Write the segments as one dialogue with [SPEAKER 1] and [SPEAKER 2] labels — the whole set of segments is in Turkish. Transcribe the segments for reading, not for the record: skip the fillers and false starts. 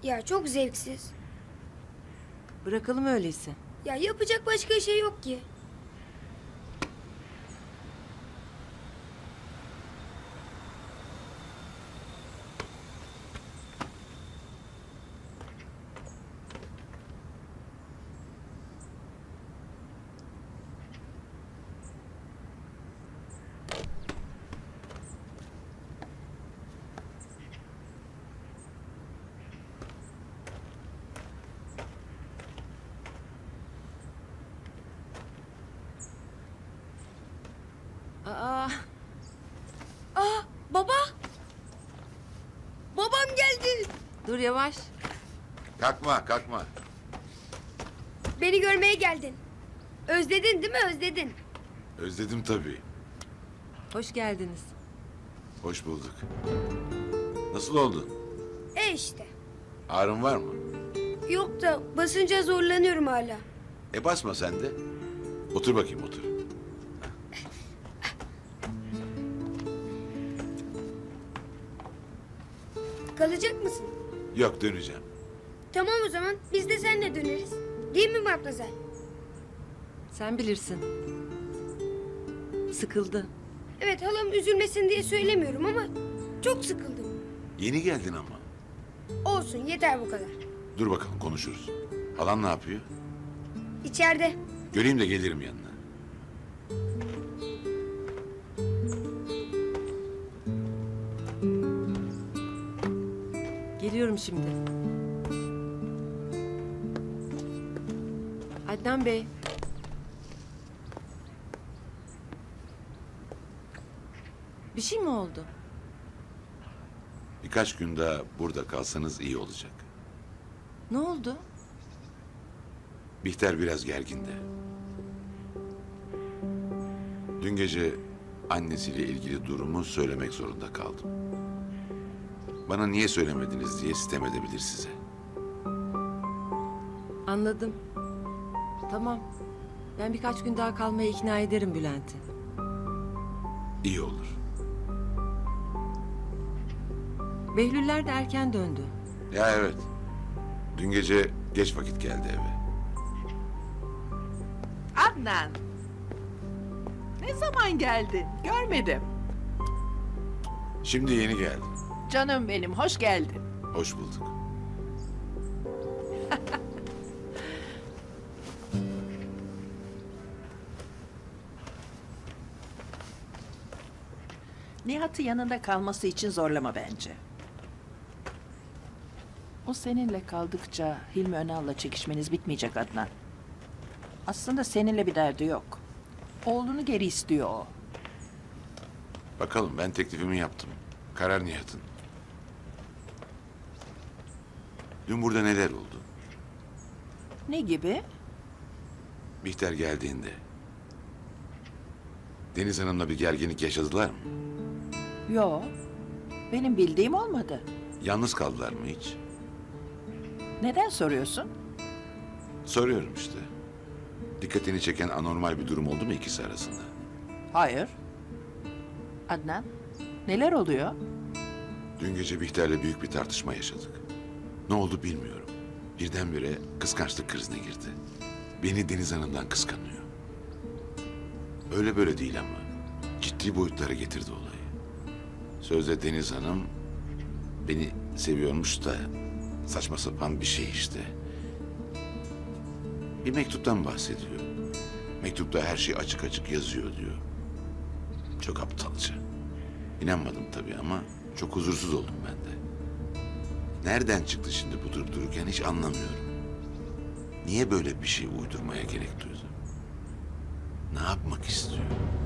[SPEAKER 1] Ya çok zevksiz.
[SPEAKER 2] Bırakalım öyleyse.
[SPEAKER 1] Ya yapacak başka şey yok ki.
[SPEAKER 2] Aa,
[SPEAKER 1] Baba! Babam geldi.
[SPEAKER 2] dur yavaş.
[SPEAKER 3] Kalkma, kalkma.
[SPEAKER 1] Beni görmeye geldin. Özledin değil mi? Özledin.
[SPEAKER 3] Özledim tabii.
[SPEAKER 2] Hoş geldiniz.
[SPEAKER 3] Hoş bulduk. Nasıl oldun?
[SPEAKER 1] İşte.
[SPEAKER 3] Ağrın var mı?
[SPEAKER 1] Yok da basınca zorlanıyorum hala.
[SPEAKER 3] Basma sen de. Otur bakayım, otur.
[SPEAKER 1] Kalacak mısın?
[SPEAKER 3] Yok, döneceğim.
[SPEAKER 1] Tamam o zaman biz de seninle döneriz. Değil mi Matmazel?
[SPEAKER 2] Sen bilirsin. Sıkıldı.
[SPEAKER 1] Evet halam üzülmesin diye söylemiyorum ama çok sıkıldım.
[SPEAKER 3] Yeni geldin ama.
[SPEAKER 1] Olsun yeter bu kadar.
[SPEAKER 3] Dur bakalım, konuşuruz. Halan ne yapıyor?
[SPEAKER 1] İçeride.
[SPEAKER 3] Göreyim de gelirim yanına.
[SPEAKER 2] Geliyorum şimdi. Adnan Bey. Bir şey mi oldu?
[SPEAKER 3] Birkaç gün daha burada kalsanız iyi olacak.
[SPEAKER 2] Ne oldu?
[SPEAKER 3] Bihter biraz gergindi. Dün gece annesiyle ilgili durumu söylemek zorunda kaldım. Bana niye söylemediniz diye sitem edebilir size.
[SPEAKER 2] Anladım. Tamam. Ben birkaç gün daha kalmaya ikna ederim Bülent'i.
[SPEAKER 3] İyi olur.
[SPEAKER 2] Behlüller de erken döndü.
[SPEAKER 3] Ya evet. Dün gece geç vakit geldi eve.
[SPEAKER 4] Adnan. Ne zaman geldin? Görmedim.
[SPEAKER 3] Şimdi yeni geldi.
[SPEAKER 4] Canım benim, hoş geldin.
[SPEAKER 3] Hoş bulduk.
[SPEAKER 4] Nihat'ı yanında kalması için zorlama bence. O seninle kaldıkça Hilmi Önal'la çekişmeniz bitmeyecek Adnan. Aslında seninle bir derdi yok. Oğlunu geri istiyor o.
[SPEAKER 3] Bakalım, ben teklifimi yaptım. Karar Nihat'ın. Dün burada neler oldu?
[SPEAKER 4] Ne gibi?
[SPEAKER 3] Bihter geldiğinde Deniz Hanım'la bir gerginlik yaşadılar mı?
[SPEAKER 4] Yo. Benim bildiğim olmadı.
[SPEAKER 3] Yalnız kaldılar mı hiç?
[SPEAKER 4] Neden soruyorsun?
[SPEAKER 3] Soruyorum işte. Dikkatini çeken anormal bir durum oldu mu ikisi arasında?
[SPEAKER 4] Hayır. Adnan, neler oluyor?
[SPEAKER 3] Dün gece Bihter'le büyük bir tartışma yaşadık. Ne oldu bilmiyorum. Birdenbire kıskançlık krizine girdi. Beni Deniz Hanım'dan kıskanıyor. Öyle böyle değil ama ciddi boyutlara getirdi olayı. Sözde Deniz Hanım beni seviyormuş da saçma sapan bir şey işte. Bir mektuptan bahsediyor. Mektupta her şey açık açık yazıyor diyor. Çok aptalca. İnanmadım tabii ama çok huzursuz oldum ben de. Nereden çıktı şimdi bu durup dururken hiç anlamıyorum. Niye böyle bir şey uydurmaya gerek duydu? Ne yapmak istiyor?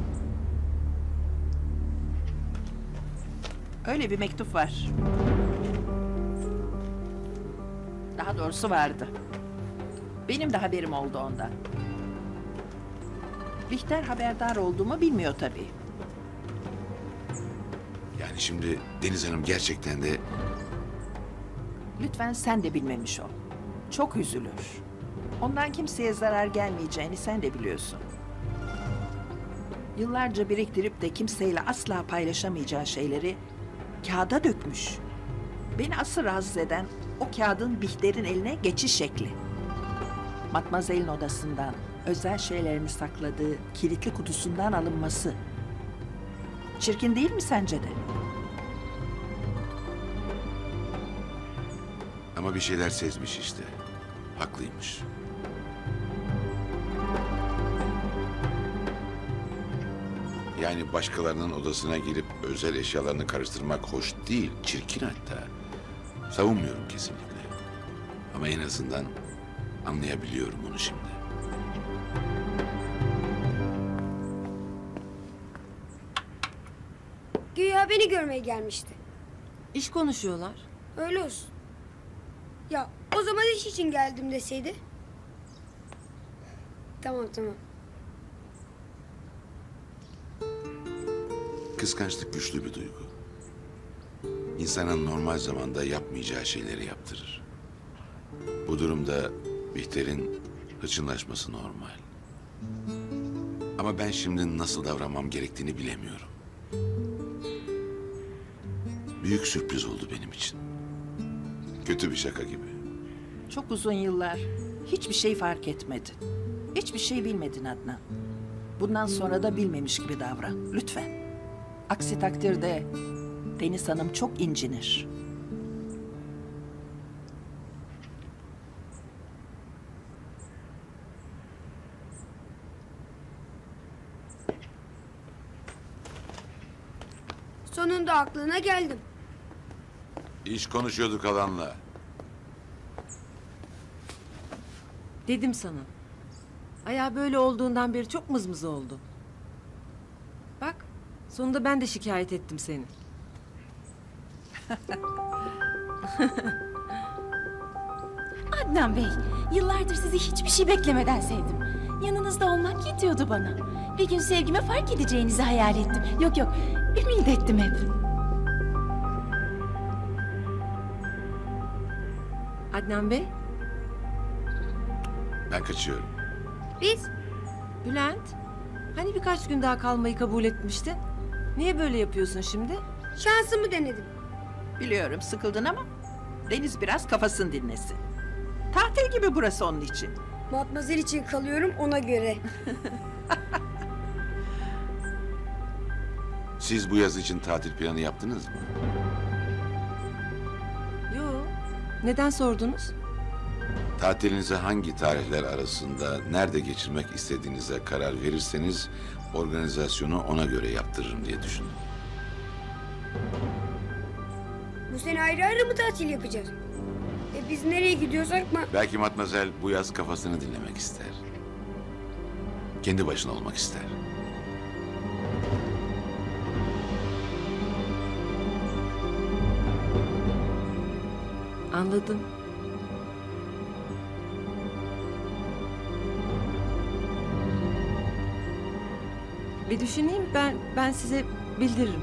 [SPEAKER 4] Öyle bir mektup var. Daha doğrusu vardı. Benim de haberim oldu ondan. Bihter haberdar olduğumu bilmiyor tabii.
[SPEAKER 3] Yani şimdi Deniz Hanım gerçekten de
[SPEAKER 4] Lütfen sen de bilmemiş ol. Çok üzülür. Ondan kimseye zarar gelmeyeceğini sen de biliyorsun. Yıllarca biriktirip de kimseyle asla paylaşamayacağı şeyleri kağıda dökmüş. Beni asıl rahatsız eden O kağıdın Bihter'in eline geçiş şekli. Matmazel'in odasından, özel şeylerini sakladığı kilitli kutusundan alınması. Çirkin değil mi sence de?
[SPEAKER 3] Ama bir şeyler sezmiş işte. Haklıymış. Yani başkalarının odasına girip özel eşyalarını karıştırmak hoş değil, çirkin hatta. Savunmuyorum kesinlikle. Ama en azından anlayabiliyorum onu şimdi.
[SPEAKER 1] Güya beni görmeye gelmişti.
[SPEAKER 2] İş konuşuyorlar.
[SPEAKER 1] Öyle olsun. Ya o zaman iş için geldim deseydi. Tamam tamam.
[SPEAKER 3] Kıskançlık güçlü bir duygu. İnsanın normal zamanda yapmayacağı şeyleri yaptırır. Bu durumda Bihter'in hırçınlaşması normal. Ama ben şimdi nasıl davranmam gerektiğini bilemiyorum. Büyük sürpriz oldu benim için. Kötü bir şaka gibi.
[SPEAKER 4] Çok uzun yıllar hiçbir şey fark etmedin. Hiçbir şey bilmedin Adnan. Bundan sonra da bilmemiş gibi davran lütfen. Aksi takdirde Deniz Hanım çok incinir.
[SPEAKER 1] Sonunda aklına geldim.
[SPEAKER 3] İş konuşuyorduk Alan'la.
[SPEAKER 2] Dedim sana. Ayağı böyle olduğundan beri çok mızmız oldu. Bak, sonunda ben de şikayet ettim seni.
[SPEAKER 5] Adnan Bey, yıllardır sizi hiçbir şey beklemeden sevdim. Yanınızda olmak yetiyordu bana. Bir gün sevgime fark edeceğinizi hayal ettim. Yok yok, ümit ettim hep.
[SPEAKER 2] Adnan Bey,
[SPEAKER 3] Ben kaçıyorum.
[SPEAKER 1] Biz
[SPEAKER 2] Bülent. Hani birkaç gün daha kalmayı kabul etmiştin? Niye böyle yapıyorsun şimdi?
[SPEAKER 1] şansımı denedim.
[SPEAKER 4] Biliyorum sıkıldın ama Deniz biraz kafasını dinlesin. Tatil gibi burası onun için.
[SPEAKER 1] Matmazel için kalıyorum ona göre.
[SPEAKER 3] Siz bu yaz için tatil planı yaptınız mı?
[SPEAKER 2] Yo. Neden sordunuz?
[SPEAKER 3] Tatilinizi hangi tarihler arasında nerede geçirmek istediğinize karar verirseniz organizasyonu ona göre yaptırırım diye düşündüm.
[SPEAKER 1] Bu sene ayrı ayrı mı tatil yapacağız? Biz nereye gidiyorsak mı?
[SPEAKER 3] Belki Matmazel bu yaz kafasını dinlemek ister. Kendi başına olmak ister.
[SPEAKER 2] Anladım. Bir düşüneyim, ben size bildiririm.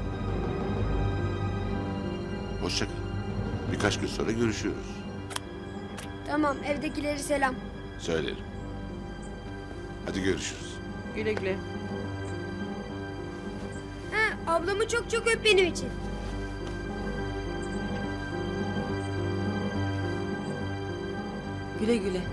[SPEAKER 3] Hoşça kal. Birkaç gün sonra görüşürüz.
[SPEAKER 1] Tamam evdekileri selam.
[SPEAKER 3] Söylerim. Hadi görüşürüz.
[SPEAKER 4] Güle güle.
[SPEAKER 1] Ha, ablamı çok çok öp benim için.
[SPEAKER 2] Güle güle.